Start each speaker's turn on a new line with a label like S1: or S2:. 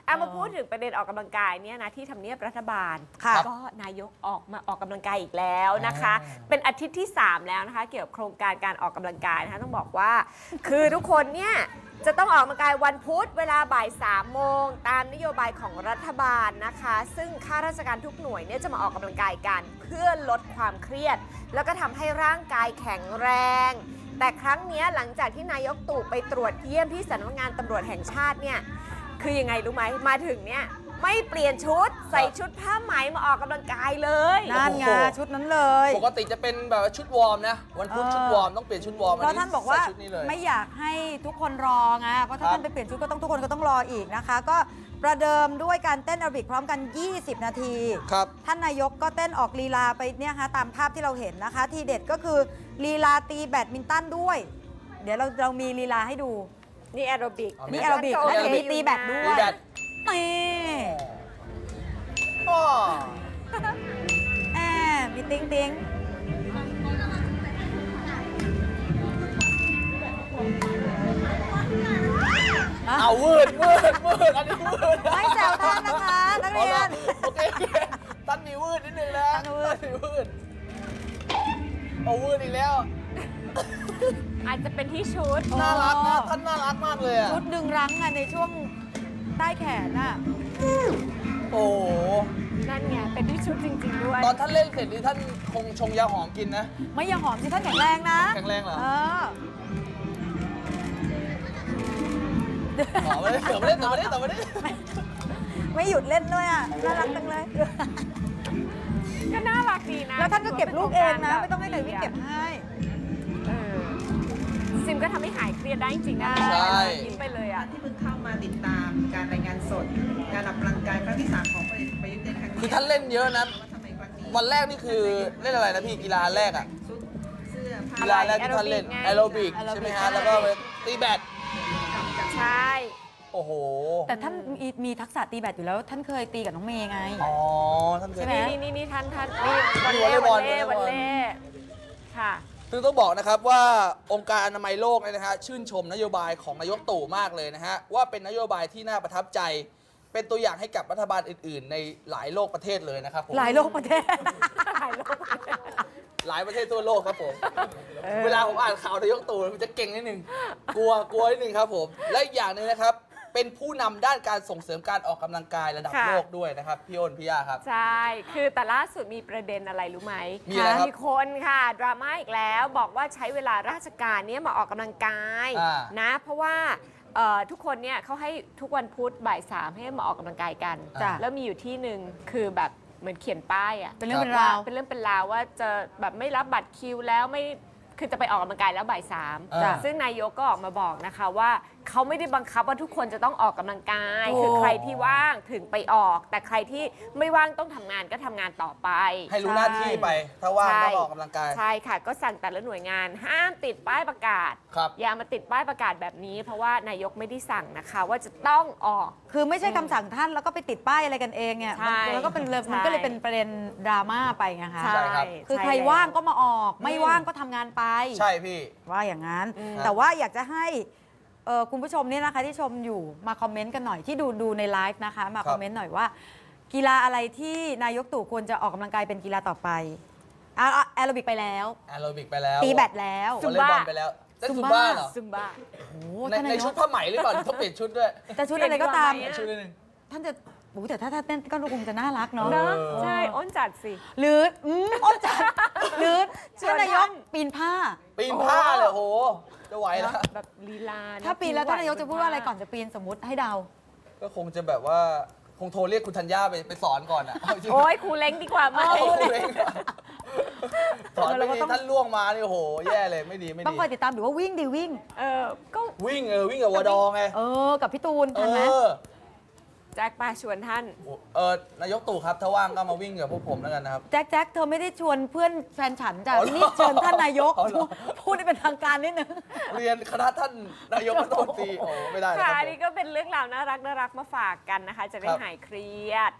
S1: มาพูดถึงประเด็นออกกำลังกายเนี่ยนะที่ทำเนียบรัฐบาลก็นายกออกมาออกกำลังกายอีกแล้วนะคะ เป็นอาทิตย์ที่ 3 แล้วนะคะเกี่ยวกับโครงการการออกกำลังกายนะคะต้องบอกว่าคือทุกคนเนี่ยจะต้องออกกำลังกายวันพุธเวลาบ่าย 3 โมงตามนโยบายของรัฐบาลนะคะซึ่งข้าราชการทุกหน่วยเนี่ยจะมาออกกำลังกายกันเพื่อลดความเครียดแล้วก็ทำให้ร่างกายแข็งแรงแต่ครั้งนี้หลังจากที่นายกตู่ไปตรวจเยี่ยมที่สำนักงานตำรวจแห่งชาติเนี่ยคือยังไงรู้ไหมมาถึงเนี่ยไม่เปลี่ยนชุดใส่ชุดผ้าไหมมาออกกำลังกายเลย
S2: นั่นไงชุดนั้นเลย
S3: ปกติจะเป็นแบบชุดวอร์มนะวันพุธชุดวอร์มต้องเปลี่ยนชุดวอร์ม
S2: เพราะท่านบอกว่า
S3: ชุดนี้เลย
S2: ไม่อยากให้ทุกคนรอไงเพราะถ้าท่านไปเปลี่ยนชุดก็ต้องทุกคนก็ต้องรออีกนะคะ ก็ประเดิมด้วยการเต้นแอโรบิกพร้อมกัน 20 นาที
S3: ครับ
S2: ท่านนายกก็เต้นออกลีลาไปเนี่ยฮะตามภาพที่เราเห็นนะคะ ทีเด็ดก็คือลีลาตีแบดมินตันด้วย เดี๋ยวเรามีลีลาให้ดู
S1: นี่แอโรบิก
S2: นี่แอโรบิกและมีตีแบดด้วย
S3: ตีแบด
S2: นี่
S3: อ้อ
S2: แอบมีติ้งติ้ง
S3: เอาวืดอันนี้วืด
S2: ไม่แซวท่านนะคะนักเรียน
S3: โอเคท่านมีวืดนิดนึงนะ
S2: ท่านวืด
S3: มีวืดเอาวืดอีกแล้ว
S1: อาจจะเป็นที่ชุด
S3: น่ารักนะท่านน่ารักมากเลยอะ
S2: ชุดดึงรั้งอะในช่วงใต้แขนอะ
S3: โอ้โห
S1: นั่นไงเป็นที่ชุดจริงๆด้วย
S3: ตอนท่านเล่นเสร็จนี่ท่านคงชงยาหอมกินนะ
S2: ไม่ยังหอมสิท่านแข็งแรงนะ
S3: แข็งแรงเหรอ
S2: เออ
S3: หอมเลยเดี๋ยวมาเล่น
S2: ไม่หยุดเล่นด้วยอ่ะน่ารักจังเลย
S1: ก็น่ารักดีนะ
S2: แล้วท่านก็เก็บลูกเองนะ ไม่ต้องให้ใครวิ่งเก็บให้
S1: เออซิมก็ทำให้หายเครียดได้จริงๆนะ
S3: ใช่
S1: ยิ้มไปเลยอ่ะ
S4: ที่เพิ่งเข้ามาติดตามการรายงานสดการออกกำลังกายครั้งที่ 3 ของพลเอกประยุทธ์ในครั้งนี้
S3: คือท่านเล่นเยอะนะ
S4: ว่าทำไมครั้งนี้
S3: วันแรกนี่คือเล่นอะไรนะพี่กีฬาแรกอะ
S4: ชุดเสื้อผ้า
S3: กีฬาแรกที่ท่านเล่น
S1: แอ
S3: แอ
S1: โร
S3: โร
S1: บิ
S3: บิ
S1: ก
S3: ก
S1: ไง
S3: ใช่ไหมฮะแล้วก็ไปตีแบด
S1: ใช่
S3: โอ้โห
S2: แต่ท่านมีทักษะตีแบดอยู่แล้ว ท่านเคยตีกับน้องเมย์ไง
S3: อ๋อท่านเค
S2: ใช่
S3: ย
S2: ไหม
S1: นี่ท่านนี่วัน
S3: วอลเล
S1: เล่
S3: ย์บอล
S1: วันเล่ค่ะ
S3: ซึ่งต้องบอกนะครับว่าองค์การอนามัยโลกเนี่ยนะฮะชื่นชมนโยบายของนายกตู่มากเลยนะฮะว่าเป็นนโยบายที่น่าประทับใจ เป็นตัวอย่างให้กับรัฐบาลอื่น ๆ ในหลายโลกประเทศเลยนะครับผม
S2: หลายโลกประเทศ
S3: หลายประเทศทั่วโลกครับผม เวลาผมอ่านข่าวนายกตู่มันจะเก่งนิดนึงกลัวนิดนึงครับผมและอีกอย่างหนึงนะครับเป็นผู้นำด้านการส่งเสริมการออกกำลังกายระดับ
S1: ค่ะ
S3: โลกด้วยนะครับพี่อ้นพี่ย่าครับ
S1: ใช่ คือแต่ล่าสุดมีประเด็นอะไรรู้ไหม
S3: มีอะไรครับ
S1: มีคนค่ะดราม่าอีกแล้วบอกว่าใช้เวลาราชการเนี้ยมาออกกำลังกาย
S3: อ่า
S1: นะ เพราะว่าทุกคนเนี่ยเขาให้ทุกวันพุธบ่าย 3ให้มาออกกำลังกายกัน
S3: จ้ะ
S1: แล้วมีอยู่ที่หนึ่งคือแบบเหมือนเขียนป้ายอะ
S2: เป็นเรื่องเป็นราว
S1: เป็นเรื่องเป็นราวว่าจะแบบไม่รับบัตรคิวแล้วไม่คือจะไปออกกำลังกายแล้วบ่าย
S3: จ้ะ
S1: 3ซึ่งนายกก็ออกมาบอกนะคะว่าเขาไม่ได้บังคับว่าทุกคนจะต้องออกกำลังกาย
S2: โอ้
S1: คือใครที่ว่างถึงไปออก แต่ใครที่ไม่ว่างต้องทำงานก็ทำงานต่อไป
S3: ให้รู้หน้าที่ไป ถ้าว่าง
S1: ใช่
S3: ก็ออกกำลังกาย
S1: ใช่ค่ะ ก็สั่งแต่ละหน่วยงานห้ามติดป้ายประกาศ
S3: ครับ
S1: อย่ามาติดป้ายประกาศแบบนี้ เพราะว่านายกไม่ได้สั่งนะคะว่าจะต้องออก
S2: คือไม่ใช่คำสั่งท่านแล้วก็ไปติดป้ายอะไรกันเองเนี่ย
S1: ใช่
S2: แล้วก็เป็นเลย
S1: ใช่
S2: มันก็เลยเป็นประเด็นดราม่าไปไงคะ
S3: ใช่ครับ
S2: คือ
S1: ช่
S2: ใคร
S1: แล้ว
S2: ว่างก็มาออก ไม่ว่างก็ทำงานไป
S3: ใช่พี่
S2: ว่าอย่างนั้น
S1: อืม
S2: แต่ว่าอยากจะให้คุณผู้ชมเนี่ยนะคะที่ชมอยู่มาคอมเมนต์กันหน่อยที่ดูในไลฟ์นะคะ มาคอมเมนต์หน่อยว่า กีฬาอะไรที่นายกตู่ควรจะออกกำลังกายเป็นกีฬาต่อไปแอโรบิกไปแล้ว
S3: แอโรบิกไปแล้ว
S2: ตีแบดแล้ว
S3: วอลเลย์บอลไปแล้วเต้นซุมบ้าเหรอ
S1: ซุมบ้า
S2: โอ้
S3: ใน
S2: ท่าน
S3: ใน
S2: นาย
S3: ชุด
S2: ก
S3: ผ้าไหมหรือเปล่าหรือต้องเปลี่ยนชุดด้วย
S2: แต่ชุดอะไรก็ตาม
S1: เปลี่ยน
S3: ชุดนิดนึง
S2: ท่านจะโอ้แต่ถ้าเต้นก็คงจะน่ารักเนาะ
S1: เนอะ
S3: เออ
S1: ใช่อ้นจัดสิ
S2: หรืออ้นจัดหรือ
S1: ชวน
S2: ท่านนายก
S1: ท่าน
S2: ปีนผ้า
S3: ปีนผ้าเลยโอ้โห จะไหวแล้ว
S1: แบบลีลาะ
S2: ถ้าปีนแล้วท่านนายกจะพูดว่าอะไรก่อนจะปีนสมมติให้เดา
S3: ก็คงจะแบบว่าคงโทรเรียกคุณธัญญาไปสอนก่อนอ่ะเาจริง
S1: โอ้ยครูเล้งดีกว่าไหม
S3: เอาครูเล้งสอนไม่ดีท่านล่วงมานี่โอ้โห แย่เลยไม่ดีไม่
S2: ต้อง
S3: ดี
S2: คอยติดตามหรือว่าวิ่งดิวิ่ง
S1: ก็
S3: วิ่งวิ่งกับวอดอไง
S2: กับพี่ตูน
S3: เอ
S2: ทันไหม
S3: อ
S1: แจ็คปาชวนท่าน
S3: นายกตู่ครับถ้าว่างก็มาวิ่งกับพวกผมแล้วกันนะครับ
S2: แจ็คเธอไม่ได้ชวนเพื่อนแฟนฉันจ้ะ
S3: อ๋อเหรอ
S2: นี่เชิญท่านนายก
S3: อ๋อเหรอ
S2: พูดให้เป็นทางการนิดนึง
S3: เรียนคณะท่านนายกรัฐมนตรีโอ้ไม่ได้นะค
S1: ค่ะ
S3: รับ
S1: อันนี้ก็เป็นเรื่องราวน่ารักมาฝากกันนะคะ จะได้
S3: ครับ
S1: หายเครียด